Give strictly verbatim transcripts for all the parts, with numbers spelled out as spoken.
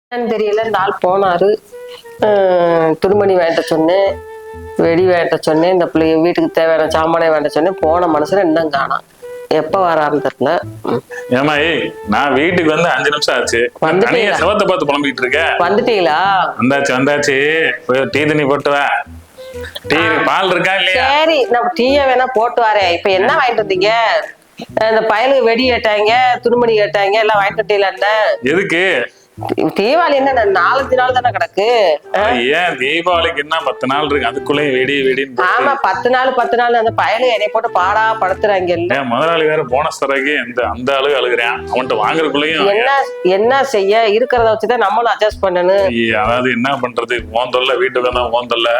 தெரியல. இந்த ஆள் போனாரு, துணிமணி வேண்ட சொன்னேன், வெடி வேண்ட சொன்னேன், இந்த பிள்ளைய வீட்டுக்கு தேவையான சாமானே வேண்ட சொன்னேன். போன மனுஷன் இன்னும் காணோம். எப்ப வரான்னு தெரியல. ஏமா நான் வீட்டுக்கு வந்து அஞ்சு நிமிஷம் ஆச்சு. தனியா செவத்தை பார்த்து புலம்பிட்டு இருக்க. வந்துட்டீங்களா? வந்தாச்சு வந்தாச்சு. டீ தண்ணி போட்டு வா. டீ பால் இருக்கா இல்லையா? சரி, நான் டீயை வேணா போட்டு வரேன். இப்ப என்ன வாங்கிட்டு வந்தீங்க? இந்த பயலுக்கு வெடி கேட்டாங்க, துணிமணி கேட்டாங்க, எல்லாம் வாங்கிட்டு வந்தீங்களா? எதுக்கு? தீபாவளி என்ன நாலஞ்சு நாள் தானே கிடக்கு. ஏன் தீபாவளிக்கு என்ன பத்து நாள் இருக்கு, அதுக்குள்ளேயும் வெடி வெடின்னு. ஆமா, பத்து நாள் பத்து நாள் அந்த பயலு என்னை போட்டு பாடா படுத்துறாங்க. முதலாளி வேற போனஸ் தரக்கு எந்த அந்த அளவு அழுகுறேன். அவன்கிட்ட வாங்குறதுக்குள்ளயும் என்ன என்ன செய்ய, இருக்கிறத வச்சுதான் நம்மளும் அட்ஜஸ்ட் பண்ணணும். அதாவது என்ன பண்றது, ஓந்தல்ல வீட்டுக்கு தான் ஓந்தல்ல.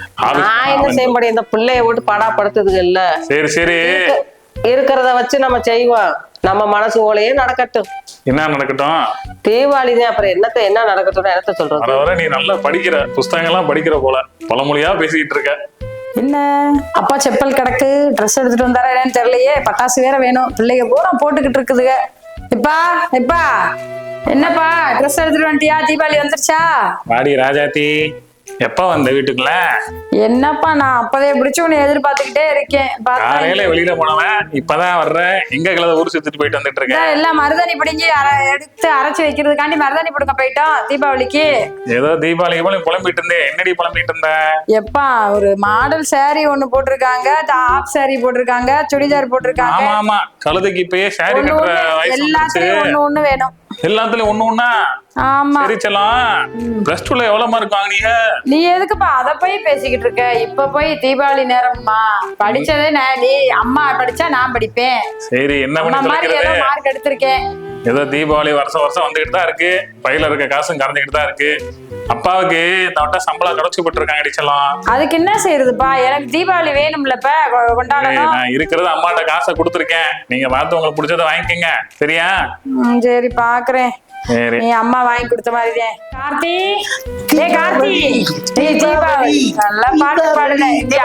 நான் என்ன செய்ய முடியும், இந்த பிள்ளைய போட்டு பாடா படுத்துதுங்க இல்ல. சரி சரி, இருக்கிறத வச்சு நம்ம செய்வோம். நம்ம மனசு ஓலையே நடக்கட்டும். என்ன நடக்கட்டும்? தீபாவளி தான், அப்புறம் என்னத்த என்ன நடக்கட்டும் என்னத்த சொல்றது. வர வர நீ நல்லா படிக்கிற, புஸ்தகம் எல்லாம் படிக்கிற போல பழமொழியா பேசிக்கிட்டு இருக்க. என்ன அப்பா செப்பல் கிடக்கு, ட்ரெஸ் எடுத்துட்டு வந்தாரா என்னன்னு தெரியலையே. பட்டாசு வேற வேணும், பிள்ளைங்க பூரா போட்டுக்கிட்டு இருக்குதுங்க. இப்பா இப்பா என்னப்பா ட்ரெஸ் எடுத்துட்டு வந்துட்டியா? தீபாவளி வந்துருச்சா? வாடி ராஜாத்தி, எப்ப வந்த வீட்டுக்குள்ள? என்னப்பா நான் அப்பதே பிடிச்சு உன்னை எதிர்பார்த்துக்கிட்டே இருக்கேன். காலையில வெளியில போனவன் இப்பதான் வர்றேன். எங்க கிளத ஊர் சுத்திட்டு போயிட்டு வந்துட்டு இருக்கேன். எல்லாம் மருதாணி பிடிங்கி எடுத்து அரைச்சு வைக்கிறதுக்காண்டி மருதாணி பிடுங்க போயிட்டோம் தீபாவளிக்கு. ஏதோ தீபாவளிக்கு போல புலம்பிட்டு இருந்தேன். என்னடி புலம்பிட்டு இருந்த? எப்பா ஒரு மாடல் சாரி ஒண்ணு போட்டிருக்காங்க, டாப் சாரி போட்டிருக்காங்க, சுடிதார் போட்டிருக்காங்க. ஆமா ஆமா, கழுதைக்கு இப்பயே சாரி கட்டுற வயசு. எல்லாத்துலயும் ஒண்ணு ஒண்ணு வேணும். எல்லாத்துலயும் ஒண்ணு ஒண்ணா? ஆமா. சரி செல்லம், பிளஸ் டூல எவ்வளவு மார்க் வாங்குனீங்க? நீ எதுக்குப்பா அத போய் பேசிக்கிட்டு இருக்க? இப்ப போய் தீபாவளி நேரம்மா, படிச்சதே நீ அம்மா படிச்சா நான் படிப்பேன். சரி, என்ன பண்ணி ஏதோ மார்க் எடுத்திருக்கேன். ஏதோ தீபாவளி வருஷம் வருஷம் வந்துகிட்டு தான் இருக்கு. பையில இருக்க காசும் கறந்துகிட்டு தான் இருக்கு. அப்பாவுக்கு இந்த வட்டம் சம்பளம் கிடைச்சு போட்டு இருக்காங்க அடிச்சலாம். அதுக்கு என்ன செய்யறதுப்பா, எனக்கு தீபாவளி வேணும்லப்ப, கொண்டாடணும். நான் இருக்கிறது அம்மாட்ட காசை கொடுத்துருக்கேன். நீங்க பார்த்து உங்களுக்கு பிடிச்சதை வாங்கிக்கோங்க, சரியா? சரி பாக்குறேன். நீ அம்மா வாங்கி கொடுத்த மாதிரிதான். கார்த்தி, ஏ கார்த்தி, நீ தீபாவளி நல்லா பாட்டு பாடுன.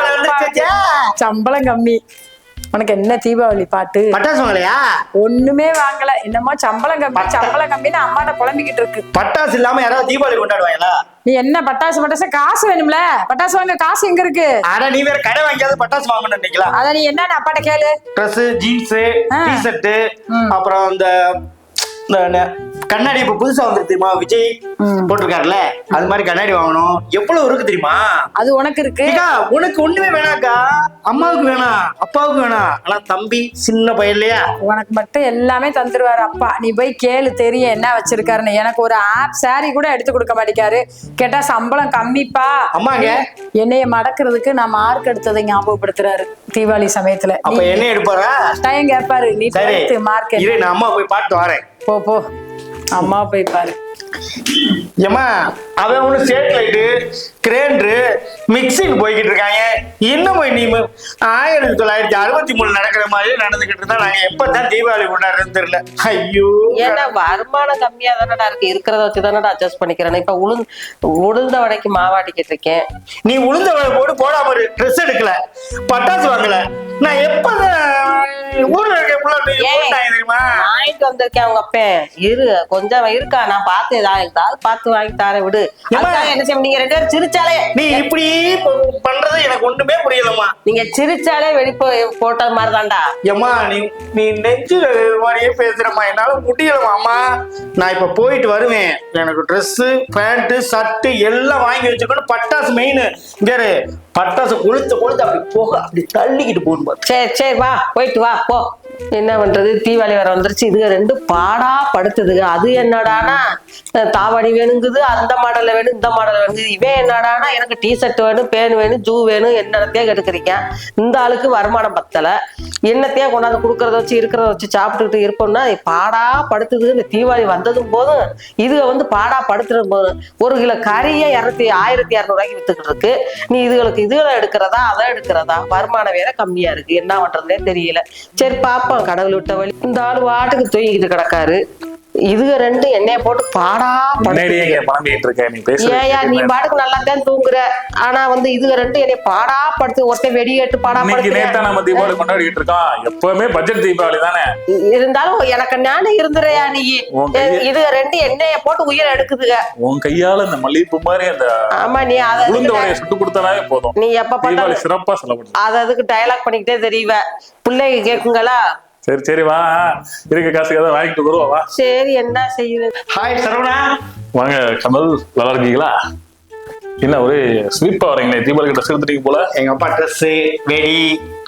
சம்பளம் கம்மி, உனக்கு என்ன தீபாவளி பாட்டு? பட்டாசு வாங்கலையா? ஒண்ணுமே வாங்கல. என்னமோ சம்பளம் கம்மி சம்பளம் கம்மின்னு அம்மாட்ட புலம்பிக்கிட்டு இருக்கு. பட்டாசு இல்லாம யாராவது தீபாவளி கொண்டாடுவாங்களா? நீ என்ன பட்டாசு பட்டாசு காசு வேணும்ல? பட்டாசு வாங்க காசு எங்க இருக்கு? ஆனா நீ வேற கடை வாங்கியாவது பட்டாசு வாங்கணும் நினைக்கல. அத நீ என்ன அப்பாட்ட கேளு. ட்ரெஸ், ஜீன்ஸ், டி ஷர்ட், அப்புறம் இந்த கண்ணாடி இப்ப புதுசா வந்து தெரியுமா, விஜய் போட்டிருக்காருல, அது மாதிரி கண்ணாடி வாங்கணும். எவ்வளவு இருக்கு தெரியுமா? அது உனக்கு இருக்கு. உனக்கு ஒண்ணுமே வேணாக்கா, அம்மாவுக்கு வேணாம், அப்பாவுக்கு வேணாம். ஆனா தம்பி சின்ன பையன் இல்லையா, உனக்கு மட்டும் எல்லாமே தந்துருவாரு அப்பா. நீ போய் கேளு, தெரியும் என்ன வச்சிருக்காருன்னு. எனக்கு ஒரு ஆப் சாரி கூட எடுத்து கொடுக்க மாட்டேங்காரு. கேட்டா சம்பளம் கம்மிப்பா. அம்மாங்க என்னைய மடக்கிறதுக்கு நான் மார்க் எடுத்ததை ஞாபகப்படுத்துறாரு தீபாவளி சமயத்துல. அப்ப என்ன எடுப்பாரா? டைம் கேட்பாரு. நீ மார்க் இரு, நான் அம்மா போய் பாட்டு வரேன். போ போ, அம்மா போய் பாரு. ஏமா அவன் ஒண்ணு சேட்டலைட்டு, கிரேண்டரு, மிக்சிங் போய்கிட்டு இருக்காங்க. இன்னும் போய் நீ ஆயிரத்தி தொள்ளாயிரத்தி அறுபத்தி மூணு நடக்கிற மாதிரி நடந்துகிட்டு இருந்தா நாங்க எப்பதான் தீபாவளி கொண்டாடுறதுன்னு தெரியல. ஐயோ, ஏன்னா வருமானம் கம்மியா தானடா இருக்கு, இருக்கிறத வச்சு தானடா அட்ஜஸ்ட் பண்ணிக்கிறேன். இப்ப உளுந்து உளுந்த வடைக்கு மாவாட்டிக்கிட்டு இருக்கேன். நீ உளுந்த வடை போட்டு போடாம ஒரு ட்ரெஸ் எடுக்கல, பட்டாசு வாங்கல. நான் எப்பதான் ஊர்ல இருக்க தெரியுமா வாங்கிட்டு வந்திருக்கேன். அவங்க அப்பேன் இரு கொஞ்சம் இருக்கா, நான் பார்த்து ஏதாவது பார்த்து வாங்கி தர விடு. என்ன செய்ய, நீங்க ரெண்டு பேரும் சிரிச்சாலே, நீ இப்படி பண்றது எனக்கு ஒண்ணுமே புரியலம்மா. நீங்க சிரிச்சாலே வெடிப்பு போட்ட மாதிரி தான்டா. ஏமா நீ நீ நெஞ்சு மாதிரியே பேசுறமா, என்னால முடியலமா. அம்மா நான் இப்ப போயிட்டு வருவேன். எனக்கு ட்ரெஸ், பேண்ட், ஷர்ட் எல்லாம் வாங்கி வச்சுக்கணும். பட்டாசு மெயின். வேற பட்டாசு கொளுத்து கொளுத்து அப்படி போக அப்படி தள்ளிக்கிட்டு போகணும். சரி சரி வா, போயிட்டு வா போ. என்ன பண்றது, தீபாவளி வர வந்துருச்சு. இதுக ரெண்டு பாடா படுத்துதுங்க. அது என்னடானா தாவணி வேணுங்குது, அந்த மாடல்ல வேணும், இந்த மாடல் வேணுங்குது. இவன் என்னடானா எனக்கு டி ஷர்ட் வேணும், பேன் வேணும், ஜூ வேணும், என்னத்தையா கெடுக்கிறீங்க. இந்த ஆளுக்கு வருமானம் பத்தல, என்னத்தையா கொண்டாந்து கொடுக்கறத வச்சு இருக்கிறத வச்சு சாப்பிட்டுக்கிட்டு இருப்போம்னா பாடா படுத்துது. இந்த தீபாவளி வந்ததும் போதும் இதுக வந்து பாடா படுத்துறது போதும். ஒரு கிலோ கறியை இரநூத்தி ஆயிரத்தி இரநூறு ரூபாய்க்கு வித்துக்கிட்டு இருக்கு. நீ இதுகளுக்கு இதுகளை எடுக்கிறதா அதை எடுக்கிறதா? வருமானம் வேற கம்மியா இருக்கு, என்ன பண்றதுனே தெரியல. சரி பாப்போம், கடவுள் விட்ட வழி. இந்த ஆள் வாட்டுக்கு தூங்கிக்கிட்டு கிடக்காரு. இதுக ரெண்டு என்னைய போட்டு பாடா முன்னாடியே படுத்து இங்க புலம்பிட்டு இருக்க நீ ஏயா நீ பேசுற பாட்டுக்கு நல்லா தான் தூங்குற ஆனா வந்து இதுக ரெண்டு என்னைய பாடா படுத்து ஒருத்தன் வெடியேட்டு பாடா இன்னைக்கு நேத்தா படுத்து நம்ம தீபாவளி கொண்டாடிட்டு இருக்கோம். எப்பவுமே பட்ஜெட் தீபாவளி தானே. இருந்தாலும் எனக்கு ஞானம் இருந்துறையா நீ உன் கைய- இதுக ரெண்டு என்னைய போட்டு உயிரை எடுக்குதுங்க உன் கையால இந்த மல்லிகைப்பூ மாதிரி அந்த ஆமா நீ அத உளுந்த வடையை சுட்டு கொடுத்தனாவே போதும். நீ எப்ப தீபாவளி பார்த்தாலும் சிறப்பா செலவு. அது அதுக்கு டயலாக் பண்ணிக்கிட்டே தெரியவ பிள்ளைங்க கேக்குங்களா சரி சரி வா, இருக்க காசுக்கு ஏதாவது வாங்கிட்டு வருவா வா. சரி என்ன செய்யுது ஹாய் சரவணா. வாங்க கமல், நல்லா இருக்கீங்களா? என்ன ஒரே ஸ்வீப்பா வரீங்களே, தீபாவளிக்கு ட்ரெஸ் எடுத்துட்டீங்க போல. எங்க அப்பா ட்ரெஸ், வெடி,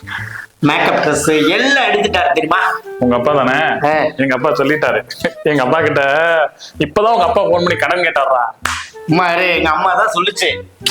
மேக்கப் ட்ரெஸ் எல்லாம் எடுத்துட்டாரு தெரியுமா? உங்க அப்பா தானே? ஆ. எங்க அப்பா சொல்லிட்டாரு. எங்க அப்பா கிட்ட இப்பதான் உங்க அப்பா போன் பண்ணி கடன் கேட்டாரா. மாரு எங்க அம்மா தான் சொல்லுச்சு.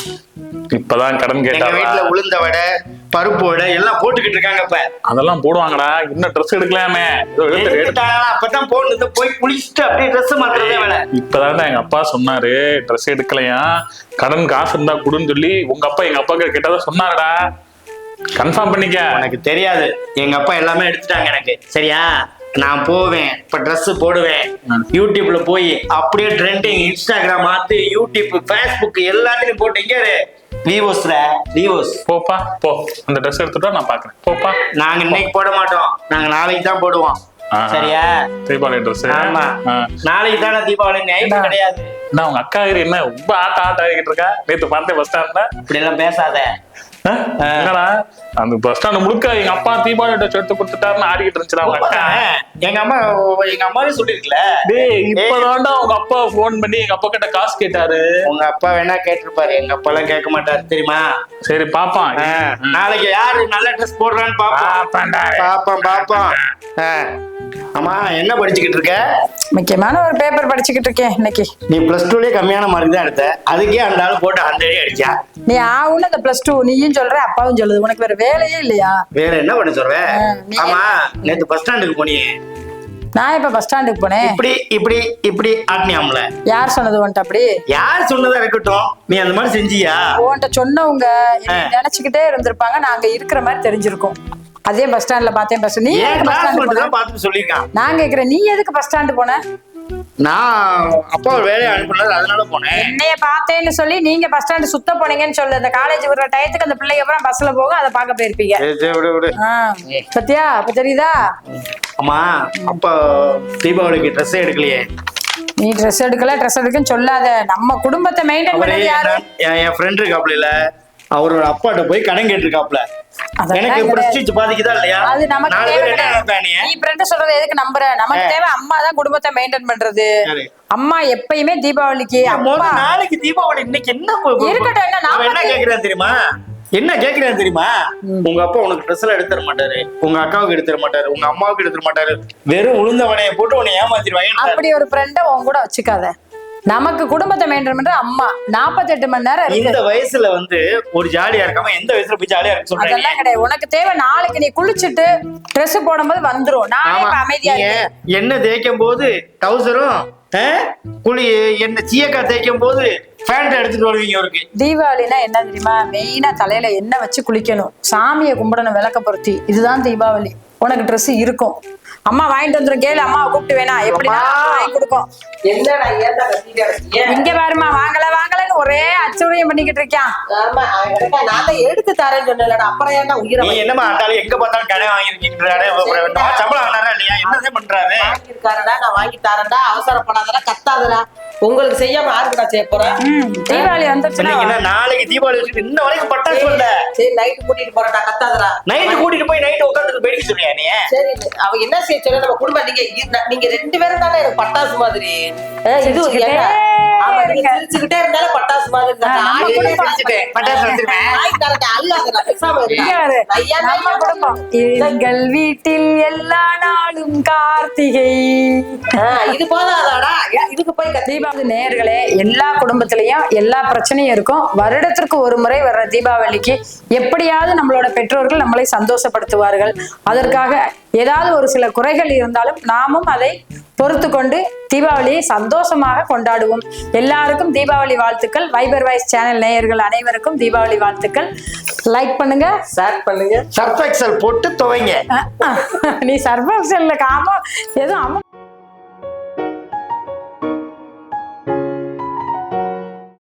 இப்பதான் கடன் எங்க கேட்டாரா. வீட்டுல உளுந்த வடை, பருப்பு வடை எல்லாம் போட்டுக்கிட்டு இருக்காங்க இப்ப. அதெல்லாம் போடுவாங்கடா, இன்னும் ட்ரெஸ் எடுக்கலாமே. ஏதோ எடுத்து- எடுத்து- எடுத்துட்டாங்களா? அப்பதான் போன் போய் குளிச்சுட்டு அப்படியே ட்ரெஸ் மாத்துறதே வேலை. இப்பதான்டா எங்க அப்பா சொன்னாரு ட்ரெஸ் எடுக்கலையா, கடன் காசு இருந்தா கொடுன்னு சொல்லி உங்க அப்பா எங்க அப்பா கிட்ட கேட்டதா சொன்னாருடா. கன்ஃபார்ம் பண்ணிக்க. எனக்கு தெரியாது, எங்க அப்பா எல்லாமே எடுத்துட்டாங்க எனக்கு. சரியா? நான் போவேன் இப்ப ட்ரெஸ் போடுவேன், யூடியூப்ல போய் அப்படியே ட்ரெண்டிங், இன்ஸ்டாகிராம் மாத்து, யூடியூப், ஃபேஸ்புக் எல்லாத்தையும் போட்டு இங்க விவோஸ்ல விவோஸ். போப்பா போ, அந்த ட்ரெஸ் எடுத்துட்டா நான் பாக்குறேன். போப்பா. நாங்க இன்னைக்கு போட மாட்டோம், நாங்க நாளைக்கு தான் போடுவோம். ஆஹா. சரியா? தீபாவளி ட்ரெஸ். ஆமா, நாளைக்கு தானே தீபாவளி, நைட்டு கிடையாது. என்ன உங்க அக்கா என்ன ரொம்ப ஆட்ட ஆட்ட ஆகிட்டு இருக்கா? நேத்து பார்த்தேன் பஸ் ஸ்டாண்ட்ல. இப்படி எல்லாம் பேசாத. என்னடா அந்த பஸ் ஸ்டாண்ட் முழுக்க எங்க அப்பா தீபாவளி ட்ரெஸ் எடுத்து கொடுத்துட்டாருன்னு ஆடிக்கிட்டு இருந்துச்சு அவங்க அக்கா. எங்க அம்மா எங்க அம்மாவே சொல்லிருக்கல. டேய் இப்பதான்டா உங்க அப்பா போன் பண்ணி எங்க அப்பா கிட்ட காசு கேட்டாரு. உங்க அப்பா வேணா கேட்டிருப்பாரு, எங்க அப்பா எல்லாம் கேட்க மாட்டாரு தெரியுமா? சரி பாப்பான். நாளைக்கு யாரு நல்ல ட்ரெஸ் போடுறான்னு பாப்போம். பாப்பான்டா. பாப்போம் பாப்போம். ஆ. அம்மா என்ன படிச்சுக்கிட்டு இருக்க? முக்கியமான ஒரு பேப்பர் படிச்சுக்கிட்டு இருக்கேன் இன்னைக்கு. நீ பிளஸ் டூலயே கம்மியான மார்க் தான் எடுத்த, அதுக்கே அந்த ஆளு போட்டு அந்த அடி அடிச்சா. நீ ஆவுன்னு அந்த பிளஸ் டூ நீயும் சொல்ற அப்பாவும் சொல்லுது, உனக்கு வேற வேலையே இல்லையா? வேற என்ன பண்ண சொல்ற? ஆ, நீ- ஆமா, நேத்து பஸ் ஸ்டாண்டுக்கு போனியே, நான் இப்ப பஸ் ஸ்டாண்டுக்கு போனேன். இப்படி இப்படி இப்படி ஆட்டினியாம்ல. யார் சொன்னது உன்ட்ட அப்படி? யார் சொன்னதா இருக்கட்டும், நீ அந்த மாதிரி செஞ்சியா? உன்ட்ட சொன்னவங்க என்னை நினைச்சுக்கிட்டே இருந்திருப்பாங்க, நாங்க இருக்கிற மாதிரி தெரிஞ்சிருக்கும். அதே பஸ் ஸ்டாண்ட்ல பார்த்தேன். பஸ் நீ ஏன் எதுக்கு பஸ் கிளாஸ் ஸ்டாண்டு மட்டும் போன? தான் பார்த்து சொல்லியிருக்கான். நான் கேக்குறேன், நீ எதுக்கு பஸ் ஸ்டாண்டு போன? நான் அப்பா ஒரு வேலையை அனுப்பினாரு, அதனால போனேன். என்னைய பார்த்தேன்னு சொல்லி நீங்க பஸ் ஸ்டாண்டு சுத்த போனீங்கன்னு சொல்லு. அந்த காலேஜ் விடுற டயத்துக்கு அந்த பிள்ளைங்க அப்புறம் பஸ்ல போக அதை பார்க்க போயிருப்பீங்க. சரி, சரி, விடு விடு. ஆ, பத்தியா அப்ப தெரியுதா? ஆமா, அப்பா தீபாவளிக்கு ட்ரெஸ் எடுக்கலையே. நீ ட்ரெஸ் எடுக்கல ட்ரெஸ் எடுக்குன்னு சொல்லாத. நம்ம குடும்பத்தை மெயின்டைன் அவரே பண்ணது யாரு? என் என் ஃப்ரெண்ட் இருக்காப்ல, இல்ல அவரோட அப்பாட்ட போய் கடன் கேட்டிருக்காப்ல. அதெல்லாம் எனக்கு கிடையாது. பிரஸ்டீஜ் பாதிக்குதா இல்லையா? அது நமக்கு நாலு தேவை பேர் என்ன கிடையாது. நினைப்பாங்க நீ? நீ ஃப்ரெண்ட் சொல்றத எதுக்கு நம்புற? நமக்கு தேவை அம்மா தான் குடும்பத்தை மெயின்டைன் பண்றது. சரி. அம்மா எப்பயுமே தீபாவளிக்கு முத அம்மா நாளைக்கு தீபாவளி, இன்னைக்கு என்ன போ- போ- இருக்கட்டும், என்ன அவன் என்ன நாற்பத்தி- கேக்குறான் தெரியுமா? என்ன கேக்குறான் தெரியுமா? உங்க அப்பா உனக்கு ட்ரெஸ் எல்லாம் எடுத்து தர மாட்டாரு, உங்க அக்காவுக்கு எடுத்து தர மாட்டாரு, உங்க அம்மாவுக்கு எடுத்து தர மாட்டாரு, வெறும் உளுந்த வடையை போட்டு உன்னை ஏமாத்திடுவாங்க. அப்படி ஒரு ஃப்ரெண்ட உன் கூட வச்சுக்காத. நமக்கு குடும்பத்தை மெயின்டைன் பண்ற அம்மா நாற்பத்தெட்டு மணி நேரம் இருக்கு. இந்த வயசுல வந்து ஒரு ஜாலியா இருக்காம எந்த வயசுல போய் ஜாலியா இருக்க சொல்றீங்க? அதெல்லாம் கிடையாது. உனக்கு தேவை நாளைக்கு நீ குளிச்சுட்டு ட்ரெஸ் போடும்போது வந்துரும். நானே ஆமா, இப்ப அமைதியா நீங்க இருக்கேன். எண்ணெய் தேய்க்கும் போது டவுசரும், குளி என்ன சீயக்கா தேய்க்கும் போது பேண்ட் எடுத்துட்டு வருவீங்க ஒருக்கு. தீபாவளினா என்ன தெரியுமா? மெயினா தலையில எண்ணெய் வச்சு குளிக்கணும், சாமியை கும்பிடணும், விளக்க பொருத்தி. இதுதான் தீபாவளி. உனக்கு ட்ரெஸ் இருக்கும், அம்மா வாங்கிட்டு வந்துரும். கேளு, அம்மாவை கூப்பிட்டு வேணா எப்படி வாங்கி கொடுக்கும். என்னடா ஏன்டா கத்திட்டு இருக்கிய? இங்க பாருமா, வாங்கல வாங்கலன்னு ஒரே அச்சுரியம் பண்ணிக்கிட்டு இருக்கான். ஆமா அவன் கிட்ட நான் தான் எடுத்து தரேன்னு சொன்னேன்லடா, அப்புறம் ஏன்டா உயிரை நீ என்னமா ஆண்டாலும் எங்க பார்த்தாலும் கடை வாங்கிருக்கீங்கறாரு. சம்பளம் வாங்கினாரா இல்லையா? என்னதே பண்றாரு? வாங்கியிருக்காரடா, நான் வாங்கி தரேன்டா, அவசரப்படாதடா, கத்தாதடா. உங்களுக்கு செய்யாம யாருக்குடா செய்ய போறேன்? ம், தீபாவளி வந்துருச்சுன்னா சொன்னீங்கன்னா நாளைக்கு தீபாவளி வச்சுட்டு இன்ன வரைக்கும் பட்டாசு வரல. சரி நைட்டு கூட்டிட்டு போறேன்டா, கத்தாதடா. நைட்டு கூட்டிட்டு போய் நைட்டு உட்காந்து வெடிக்க சொல்றியா நீ? சரி அவ என்ன செய்ய சொல்ல, நம்ம குடும்பம் நீங்க இ- நீங்க ரெண்டு பேரும் தானே எனக்கு பட்டாசு மாதிரி. அஹ் இது சிரிச்சுக்கிட்டே என்ன? ஆமா, நீங்க இருங்க. சிரிச்சுக்கிட்டே இருந்தாலும் பட்டாசு மாதிரி தானே. ஆ, நம்ம ஆடிட்டே குடும்பம் சிரிச்சுட்டேன். பட்டாசு வச்சிருக்கேன். வாங்கி தரேன்டா, அழுகாதடா, பேசாம இருடா. இங்க பாரு, ஐயா, நம்ம நான் குடும்பம். எங்கள் வீட்டில் எல்லா நாளும் கார்த்திகை. ஆஹ் இது போதாதாடா, ஏன் இதுக்கு போய் கத்தி? தீபாவளி நேயர்களே, எல்லா குடும்பத்திலயும் எல்லா பிரச்சனையும் இருக்கும். வருடத்திற்கு ஒரு முறை வர்ற தீபாவளிக்கு எப்படியாவது நம்மளோட பெற்றோர்கள் நம்மளை சந்தோஷப்படுத்துவார்கள். அதற்காக ஏதாவது ஒரு சில குறைகள் இருந்தாலும் நாமும் அதை பொறுத்து கொண்டு தீபாவளியை சந்தோஷமாக கொண்டாடுவோம். எல்லாருக்கும் தீபாவளி வாழ்த்துக்கள். வைபர் வாய்ஸ் சேனல் நேயர்கள் அனைவருக்கும் தீபாவளி வாழ்த்துக்கள். லைக் பண்ணுங்க, ஷேர் பண்ணுங்க, சர்ஃப் எக்ஸல் போட்டு துவைங்க. நீ சர்வ காம ஏதோ அம்மா